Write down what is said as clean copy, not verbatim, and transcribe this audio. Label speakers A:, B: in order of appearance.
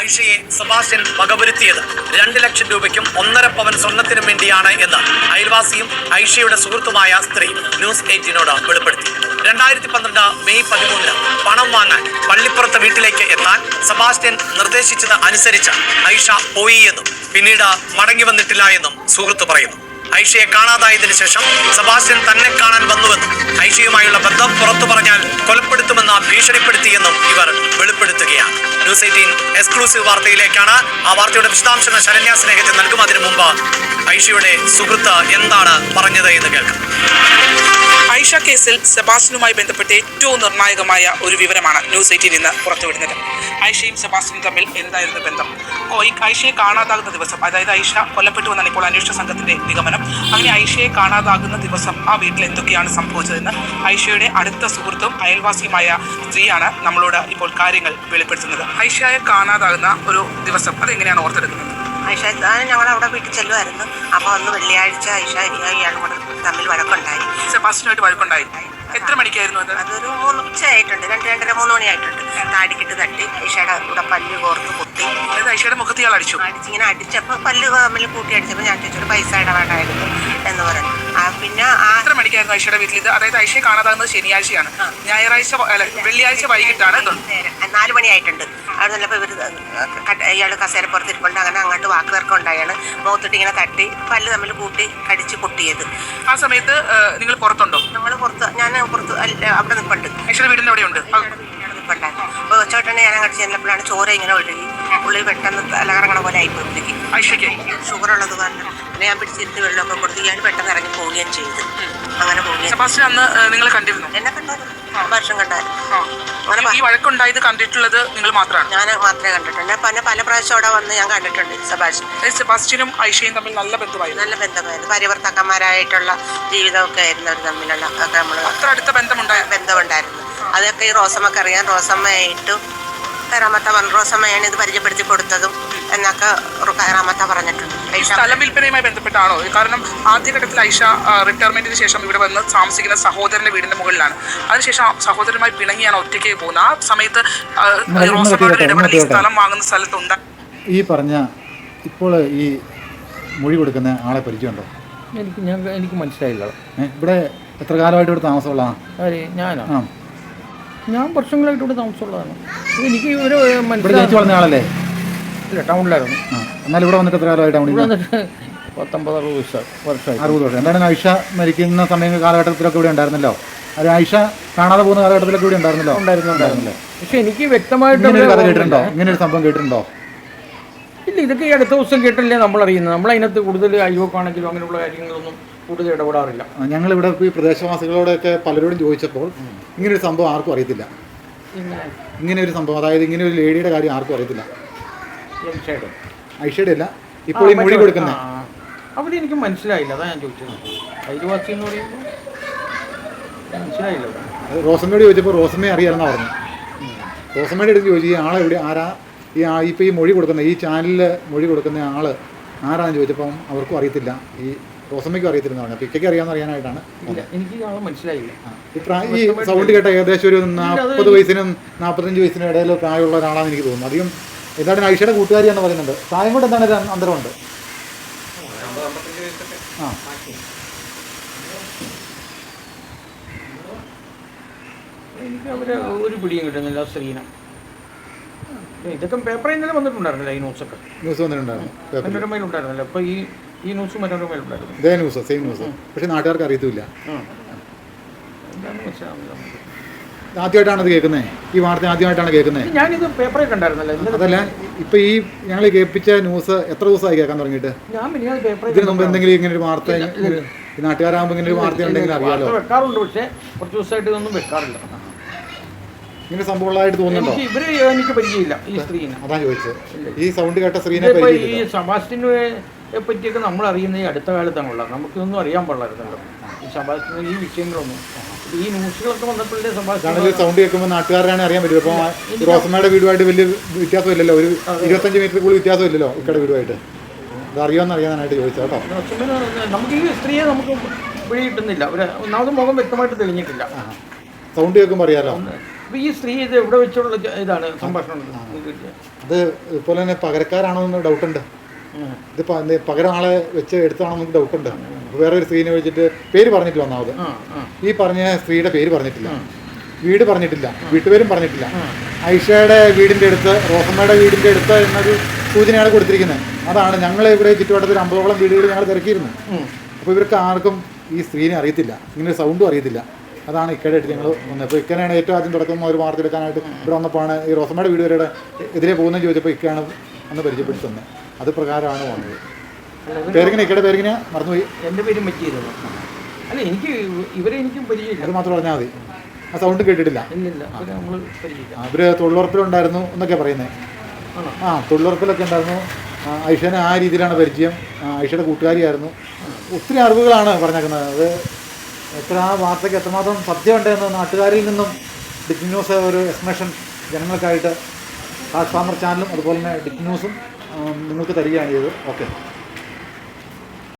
A: ഐഷയെ Sebastian വകവരുത്തിയത് 2 ലക്ഷം രൂപയ്ക്കും 1.5 പവൻ സ്വർണത്തിനും വേണ്ടിയാണ് എന്ന് അയൽവാസിയും ഐഷയുടെ സുഹൃത്തുമായ സ്ത്രീ ന്യൂസ് 18നോട് വെളിപ്പെടുത്തി. 2012 മെയ് 13 പണം വാങ്ങാൻ പള്ളിപ്പുറത്ത് വീട്ടിലേക്ക് എത്താൻ സെബാസ്റ്റ്യൻ നിർദ്ദേശിച്ചത് അനുസരിച്ച് ഐഷ പോയി എന്നും പിന്നീട് മടങ്ങി വന്നിട്ടില്ല എന്നും സുഹൃത്ത് പറയുന്നു. ഐഷയെ കാണാതായതിനു ശേഷം സെബാസ്റ്റ്യൻ തന്നെ കാണാൻ വന്നുവെന്നും ഐഷയുമായുള്ള ബന്ധം പുറത്തു പറഞ്ഞാൽ കൊലപ്പെടുത്തുമെന്ന് ഭീഷണിപ്പെടുത്തിയെന്നും ഇവർ വെളിപ്പെടുത്തുകയാണ്. ന്യൂസ് 18 എക്സ്ക്ലൂസീവ് വാർത്തയിലേക്കാണ്. ആ വാർത്തയുടെ വിശദാംശങ്ങൾ ശരണ്യ സ്നേഹത്തിൽ നൽകുന്നതിന് മുമ്പ് ഐഷയുടെ സുഹൃത്ത് എന്താണ് പറഞ്ഞത് എന്ന് കേൾക്കാം.
B: ഐഷ കേസിൽ സെബാസ്റ്റ്യനുമായി ബന്ധപ്പെട്ട് ഏറ്റവും നിർണായകമായ ഒരു വിവരമാണ് ന്യൂസ് 18 ഇന്ന് പുറത്തുവിടുന്നത്. ഐഷയും സെബാസ്റ്റ്യനും തമ്മിൽ എന്തായിരുന്നു ബന്ധം? ഐഷയെ കാണാതാകുന്ന ദിവസം, അതായത് ഐഷ കൊല്ലപ്പെട്ടു എന്നാണ് ഇപ്പോൾ അന്വേഷണ സംഘത്തിന്റെ നിഗമനം. അങ്ങനെ ഐഷയെ കാണാതാകുന്ന ദിവസം ആ വീട്ടിൽ എന്തൊക്കെയാണ് സംഭവിച്ചതെന്ന് ഐഷയുടെ അടുത്ത സുഹൃത്തും അയൽവാസിയുമായ സ്ത്രീയാണ് നമ്മളോട് ഇപ്പോൾ കാര്യങ്ങൾ വെളിപ്പെടുത്തുന്നത്. ഐഷയെ കാണാതാകുന്ന ഒരു ദിവസം അതെങ്ങനെയാണ് ഓർത്തെടുക്കുന്നത്?
C: ഐഷ ഞങ്ങളവിടെ വീട്ടിൽ ചെല്ലുമായിരുന്നു. അപ്പോൾ അന്ന് വെള്ളിയാഴ്ച ഐഷ ഇയാളും കൂടെ തമ്മിൽ വഴക്കുണ്ടായി.
B: സെബാസ്റ്റ്യനുമായിട്ട് വഴക്കുണ്ടായി. എത്ര മണിക്കായിരുന്നു അത്?
C: അതൊരു 3 ഉച്ചയായിട്ടുണ്ട്, 2-2:30-3 മണിയായിട്ടുണ്ട്. താടിക്കിട്ട് തട്ടി ഐഷയുടെ കൂടെ പല്ല് കോർത്ത് കുത്തി.
B: അതായത് ഐഷയുടെ മുഖത്ത് ഇയാൾ
C: അടിച്ചിങ്ങനെ അടിച്ചപ്പോൾ പല്ല് തമ്മിൽ കൂട്ടി അടിച്ചപ്പോൾ ഞാൻ ചോദിച്ചൊരു പൈസ ഇടവേണ്ടായിരുന്നു എന്ന് പറഞ്ഞു. പിന്നെ
B: എത്ര മണിക്കായിരുന്നു ഐഷയുടെ വീട്ടിൽ ഇത്? അതായത് ഐഷയെ കാണാതാകുന്നത് ശനിയാഴ്ചയാണ്, വെള്ളിയാഴ്ച വൈകിട്ടാണ്.
C: 4 മണിയായിട്ടുണ്ട്. അവിടെ നല്ലപ്പോൾ ഇവർ ഇയാൾ കസേരപ്പുറത്ത് ഇരിപ്പുണ്ട്. അങ്ങനെ അങ്ങോട്ട് വാക്കുതർക്കം ഉണ്ടായാണ്. മുഖത്തിട്ട് ഇങ്ങനെ തട്ടി പല്ല് തമ്മിൽ കൂട്ടി കടിച്ച് പൊട്ടിയത്.
B: ആ സമയത്ത് നിങ്ങൾ പുറത്തുണ്ടോ?
C: നമ്മൾ പുറത്ത്, ഞാൻ പുറത്ത് അവിടെ നിൽപ്പുണ്ട്.
B: ഐഷയുടെ വീടിൻ്റെ അവിടെയുണ്ട്
C: നിൽപ്പുണ്ടായിരുന്നു. അപ്പോൾ ഒച്ചോട്ടനെ ഞാൻ അങ്ങോട്ട് ചെന്നപ്പോഴാണ് ചോര ഇങ്ങനെ ഒഴുകി ഉള്ളിൽ പെട്ടെന്ന് തലകറങ്ങണ പോലെ ആയിപ്പോഴത്തേക്ക്.
B: ഐഷയ്ക്ക്
C: ഷുഗറുള്ളത് കാരണം പിന്നെ ഞാൻ പിടിച്ചിരുത്തി വെള്ളമൊക്കെ കൊടുത്ത് ഇയാൾ പെട്ടെന്ന് ഇറങ്ങി പോവുകയും ചെയ്തു. അങ്ങനെ പോവുകയും.
B: സെബാസ്റ്റ്യൻ അന്ന് നിങ്ങൾ കണ്ടിരുന്നു?
C: എന്നെ കണ്ടായിരുന്നു, വർഷം കണ്ടായിരുന്നു.
B: ഈ വഴക്കുണ്ടായത് കണ്ടിട്ടുള്ളത് നിങ്ങൾ മാത്രമാണ്?
C: ഞാൻ മാത്രമേ കണ്ടിട്ടുണ്ട്. പിന്നെ പല പ്രാവശ്യം അവിടെ വന്ന് ഞാൻ കണ്ടിട്ടുണ്ട് സെബാസ്റ്റ്യൻ.
B: സെബാസ്റ്റ്യനും ഐഷയും തമ്മിൽ നല്ല ബന്ധമായിരുന്നു.
C: പരിവർത്തക്കന്മാരായിട്ടുള്ള ജീവിതമൊക്കെ ആയിരുന്നു അവർ തമ്മിലുള്ള. ഒക്കെ നമ്മൾ
B: അത്ര അടുത്ത
C: ബന്ധമുണ്ടായിരുന്നു. അതൊക്കെ ഈ റോസമ്മക്ക് അറിയാം. റോസമ്മയായിട്ടും റോസമ്മയാണ് ഇത് പരിചയപ്പെടുത്തി കൊടുത്തതും എന്നൊക്കെ കയറാമത്ത പറഞ്ഞിട്ടുണ്ട്.
B: സ്ഥലം വിൽപ്പനയുമായി ബന്ധപ്പെട്ടാണോ? കാരണം ആദ്യഘട്ടത്തിൽ ഐഷ റിട്ടയർമെന്റിന് ശേഷം ഇവിടെ വന്ന് താമസിക്കുന്ന സഹോദരന്റെ വീടിന്റെ മുകളിലാണ്. അതിനുശേഷം സഹോദരനുമായി പിണങ്ങിയാണ് ഒറ്റയ്ക്ക് പോകുന്നത്. ആ സമയത്ത് റോസമ്മയുടെ ഇടപെടൽ ഈ സ്ഥലം വാങ്ങുന്ന സ്ഥലത്തുണ്ട്.
D: ഈ പറഞ്ഞ ഇപ്പോൾ ഈ മൊഴി കൊടുക്കുന്ന ആളെ പരിചയമുണ്ടോ?
E: എനിക്ക് മനസ്സിലായില്ല.
D: ഇവിടെ എത്ര കാലമായിട്ട് ഇവിടെ താമസമുള്ളതാണ്?
E: ഞാനോ? ഞാൻ വർഷങ്ങളായിട്ട് ഇവിടെ താമസമുള്ളതാണ്. എനിക്ക് ഒരു
D: ജനിച്ചു വളർന്ന ആളല്ലേ?
E: ഇല്ല, ടൗണിലായിരുന്നു.
D: എന്നാൽ ഇവിടെ വന്നിട്ട് എത്ര കാലമായിട്ട്?
E: ഇവിടെ വന്നിട്ട് 19-60 വർഷമായി.
D: 60 വർഷം. എന്താണ് ഐഷ മരിക്കുന്ന സമയം കാലഘട്ടത്തിലൊക്കെ ഇവിടെ ഉണ്ടായിരുന്നല്ലോ? അത് ഐഷ കാണാതെ പോകുന്ന കാലഘട്ടത്തിലൊക്കെ ഇവിടെ ഉണ്ടായിരുന്നല്ലോ? ഉണ്ടായിരുന്നില്ലേ?
E: പക്ഷെ എനിക്ക് വ്യക്തമായിട്ട്
D: കഥ കേട്ടിട്ടുണ്ടോ? ഇങ്ങനെ ഒരു സംഭവം കേട്ടിട്ടുണ്ടോ?
E: ഇല്ല, ഇതൊക്കെ ഈ അടുത്ത ദിവസം കേട്ടല്ലേ നമ്മളറിയുന്നത്. നമ്മളതിനകത്ത് കൂടുതൽ അയ്യോക്കാണെങ്കിലും അങ്ങനെയുള്ള കാര്യങ്ങളൊന്നും കൂടുതൽ ഇടപെടാറില്ല.
D: ഞങ്ങളിവിടെ ഈ പ്രദേശവാസികളോടൊക്കെ പലരോടും ചോദിച്ചപ്പോൾ ഇങ്ങനൊരു സംഭവം ആർക്കും അറിയത്തില്ല. ഇങ്ങനെ ഒരു സംഭവം, അതായത് ഇങ്ങനെ ഒരു ലേഡിയുടെ കാര്യം ആർക്കും അറിയത്തില്ല. ഐഷയുടെ അല്ല, ഇപ്പോൾ ഈ മൊഴി കൊടുക്കുന്നത്
E: അവിടെ എനിക്ക് മനസ്സിലായില്ല. അതാ ഞാൻ ചോദിച്ചത്. അയൽവാസി എന്ന് പറയുമ്പോൾ മനസ്സിലായില്ല.
D: റോസമ്മയോട് ചോദിച്ചപ്പോൾ റോസമ്മയെ അറിയാമെന്നാ പറഞ്ഞു. റോസമ്മയുടെ അടുത്ത് ചോദിച്ചു ഈ ആളെവിടെ, ആരാ ഇപ്പോൾ ഈ മൊഴി കൊടുക്കുന്ന, ഈ ചാനലിൽ മൊഴി കൊടുക്കുന്ന ആൾ ആരാന്ന് ചോദിച്ചപ്പം അവർക്കും അറിയത്തില്ല. ഈ റോസമ്മയ്ക്കും അറിയത്തില്ലെന്ന് പറഞ്ഞു. പിക്കയ്ക്ക് അറിയാമെന്ന് അറിയാനായിട്ടാണ്.
E: എനിക്ക് ആളെ മനസ്സിലായില്ല.
D: ഈ സൗണ്ട് കേട്ട ഏകദേശം ഒരു 40 വയസ്സിനും 45 വയസ്സിനും ഇടയിൽ പ്രായമുള്ള ഒരാളാണെന്ന് എനിക്ക് തോന്നുന്നു. അധികം എന്താണ് ഐഷയുടെ കൂട്ടുകാരിയാണെന്ന് പറയുന്നുണ്ട്. പ്രായം കൊണ്ട് എന്താണ് അന്തരമുണ്ട്?
E: എനിക്ക് അവരെ ഒരു പിടിയും കിട്ടുന്നില്ല. സ്ത്രീനെ ഇതൊക്കെ പേപ്പറിൽ ഇന്നലെ വന്നിട്ടുണ്ടായിരുന്നില്ല. ഈ ന്യൂസൊക്കെ
D: വന്നിട്ടുണ്ടായിരുന്നു,
E: മനോരമയിലുണ്ടായിരുന്നല്ലോ. അപ്പോൾ ഈ ന്യൂസ് മനോരമയിലുണ്ടായിരുന്നു.
D: ഇതേ ന്യൂസ്, സെയിം ന്യൂസ്. പക്ഷേ നാട്ടുകാർക്ക് അറിയത്തില്ല.
E: എന്താണെന്ന് മനസ്സിലാവുന്നില്ല.
D: ആദ്യമായിട്ടാണ് ഇത് കേൾക്കുന്നത്. ഈ വാർത്ത ആദ്യമായിട്ടാണ് കേൾക്കുന്നത്.
E: ഞാനിത് പേപ്പറിൽ കണ്ടായിരുന്നല്ലോ.
D: അതല്ല, ഇപ്പം ഈ ഞങ്ങൾ കേൾപ്പിച്ച ന്യൂസ് എത്ര ദിവസമായി കേൾക്കാൻ തുടങ്ങിയിട്ട്? ഇതിന് മുമ്പ് എന്തെങ്കിലും ഇങ്ങനെ ഒരു വാർത്ത നാട്ടുകാരാകുമ്പോൾ ഇങ്ങനെ ഒരു വാർത്ത ഉണ്ടെങ്കിൽ അറിയാലോ?
E: വെക്കാറുണ്ട്, പക്ഷേ കുറച്ച് ദിവസമായിട്ട് ഇതൊന്നും വെക്കാറില്ല.
D: ഇങ്ങനെ സംഭവങ്ങളായിട്ട് തോന്നുന്നുണ്ടോ?
E: ഇവര് എനിക്ക് പരിചയമില്ല ഈ സ്ത്രീനെ.
D: അതാ ചോദിച്ചത്. ഈ സൗണ്ട് കേട്ട സ്ത്രീനെ
E: ഈ സെബാസ്റ്റ്യനെ പറ്റിയൊക്കെ നമ്മൾ അറിയുന്ന ഈ അടുത്ത കാലത്താണുള്ളത്. നമുക്കൊന്നും അറിയാൻ പാടില്ലായിരുന്നല്ലോ ഈ സെബാസ്റ്റ്യൻ ഈ വിഷയങ്ങളൊന്നും. ഈ ന്യൂസുകളൊക്കെ വന്നപ്പോഴേ സെബാസ്റ്റ്യൻ
D: സൗണ്ട് കേൾക്കുമ്പോൾ നാട്ടുകാരാണ് അറിയാൻ പറ്റും. അപ്പോൾ റോസമ്മയുടെ വീടുമായിട്ട് വലിയ വ്യത്യാസമില്ലല്ലോ, ഒരു 25 മീറ്റർ കൂടുതൽ വ്യത്യാസമില്ലല്ലോ ഇക്കടെ വീടുമായിട്ട്. അത് അറിയാമെന്ന് അറിയാനായിട്ട് ചോദിച്ചാൽ കേട്ടോ.
E: നമുക്ക് ഈ സ്ത്രീയെ നമുക്ക് പിടി കിട്ടുന്നില്ല. ഒന്നാമത് മുഖം വ്യക്തമായിട്ട് തെളിഞ്ഞിട്ടില്ല.
D: സൗണ്ട് കേൾക്കുമ്പോൾ അറിയാലോ.
E: അപ്പോൾ ഈ സ്ത്രീ ഇത് എവിടെ വെച്ചുള്ള ഇതാണ് സംഭാഷണം കിട്ടിയത്?
D: അത് ഇതുപോലെ തന്നെ പകരക്കാരാണോ എന്ന് ഡൗട്ടുണ്ട്. ഇത് പകരം ആളെ വെച്ച് എടുത്താണോ നമുക്ക് ഡൗട്ടുണ്ട്. വേറെ ഒരു സ്ത്രീനെ വെച്ചിട്ട് പേര് പറഞ്ഞിട്ടില്ല ഒന്നാമത്. ഈ പറഞ്ഞ സ്ത്രീയുടെ പേര് പറഞ്ഞിട്ടില്ല, വീട് പറഞ്ഞിട്ടില്ല, വീട്ടുപേരും പറഞ്ഞിട്ടില്ല. ഐഷയുടെ വീടിൻ്റെ അടുത്ത്, റോസമ്മയുടെ വീടിൻ്റെ അടുത്ത് എന്നൊരു സൂചനയാണ് കൊടുത്തിരിക്കുന്നത്. അതാണ് ഞങ്ങൾ ഇവിടെ ചുറ്റുവട്ടത്തിൽ 50ഓളം വീടുകൾ ഞങ്ങൾ തിരക്കിയിരുന്നു. അപ്പോൾ ഇവർക്ക് ആർക്കും ഈ സ്ത്രീനെ അറിയത്തില്ല, ഇങ്ങനെ സൗണ്ടും അറിയത്തില്ല. അതാണ് ഇക്കയുടെ അടുത്ത് ഞങ്ങൾ വന്നത്. അപ്പോൾ ഇക്കനാണ് ഏറ്റവും ആദ്യം തുടക്കം ഒരു വാർത്തെടുക്കാനായിട്ട് ഇവിടെ വന്നപ്പോഴാണ് ഈ റോസമ്മയുടെ വീട് വരെ എതിരെ പോകുന്നതെന്ന് ചോദിച്ചപ്പോൾ ഇക്കയാണ് അന്ന് പരിചയപ്പെടുത്തി തന്നെ. അത് പ്രകാരമാണ് വന്നത്. പേരിങ്ങനെ ഇക്കയുടെ പേരിങ്ങനെ മറന്നുപോയി.
E: എൻ്റെ പേരും പറ്റിയിരുന്നു. അല്ല, എനിക്ക് ഇവരെ എനിക്കും പരിചയമില്ല.
D: അത് മാത്രം പറഞ്ഞാൽ മതി. ആ സൗണ്ട് കേട്ടിട്ടില്ല.
E: ഇല്ലില്ല, നമ്മൾ പരിചയമില്ല.
D: അവർ തൊഴിലുറപ്പിലുണ്ടായിരുന്നു എന്നൊക്കെ പറയുന്നത്. തൊഴിലുറപ്പിലൊക്കെ ഉണ്ടായിരുന്നു. ഐഷനെ ആ രീതിയിലാണ് പരിചയം. ഐഷയുടെ കൂട്ടുകാരിയായിരുന്നു. ഒത്തിരി അറിവുകളാണ് പറഞ്ഞേക്കുന്നത്. അത് എത്ര ആ വാർത്തയ്ക്ക് എത്രമാത്രം സത്യമുണ്ടെന്ന് നാട്ടുകാരിൽ നിന്നും ഡിക് ന്യൂസ് ഒരു എക്സ്പ്ലനേഷൻ ജനങ്ങൾക്കായിട്ട് ഹാഷ് ഫാമർ ചാനലും അതുപോലെ തന്നെ ഡിക് ന്യൂസും നിങ്ങൾക്ക് തരികയാണ് ചെയ്തത്. ഓക്കെ.